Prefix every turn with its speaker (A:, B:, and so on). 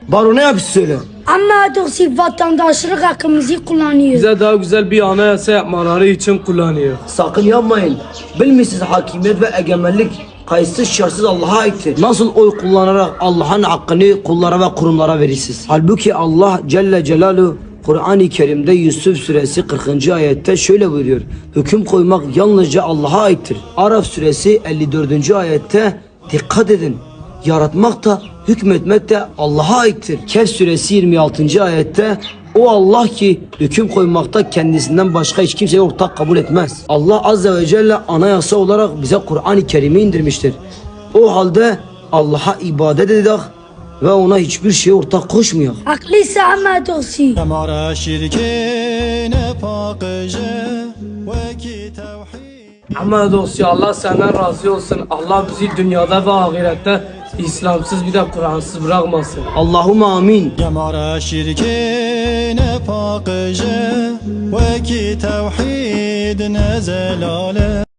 A: Baro ne yapıyorsun söyle.
B: Ama doğrusu vatandaşlık hakkımızı kullanıyor.
C: Bize daha güzel bir anayasa yapmaları için kullanıyor.
A: Sakın yapmayın. Bilmişsiniz hakimiyet ve egemenlik kayıtsız şartsız Allah'a aittir. Nasıl oy kullanarak Allah'ın hakkını kullara ve kurumlara verirsiniz? Halbuki Allah Celle Celaluhu Kur'an-ı Kerim'de Yusuf suresi 40. ayette şöyle buyuruyor. Hüküm koymak yalnızca Allah'a aittir. Araf suresi 54. ayette dikkat edin. Yaratmak da hükmetmek de Allah'a aittir. Kehf suresi 26. ayette o Allah ki hüküm koymakta kendisinden başka hiç kimseyi ortak kabul etmez. Allah azze ve celle anayasa olarak bize Kur'an-ı Kerim'i indirmiştir. O halde Allah'a ibadet edelim ve ona hiçbir şeye ortak koşmuyor.
B: Haklıysa ama doğrusu.
D: Mara şirkine pakıcı ve ki tevhid.
C: Ama dosya Allah senden razı olsun. Allah bizi dünyada ve ahirette İslamsız bir de Kur'ansız bırakmasın.
A: Allahümme amin.
D: Mara şirkine pakıcı ve ki tevhid ne zelale.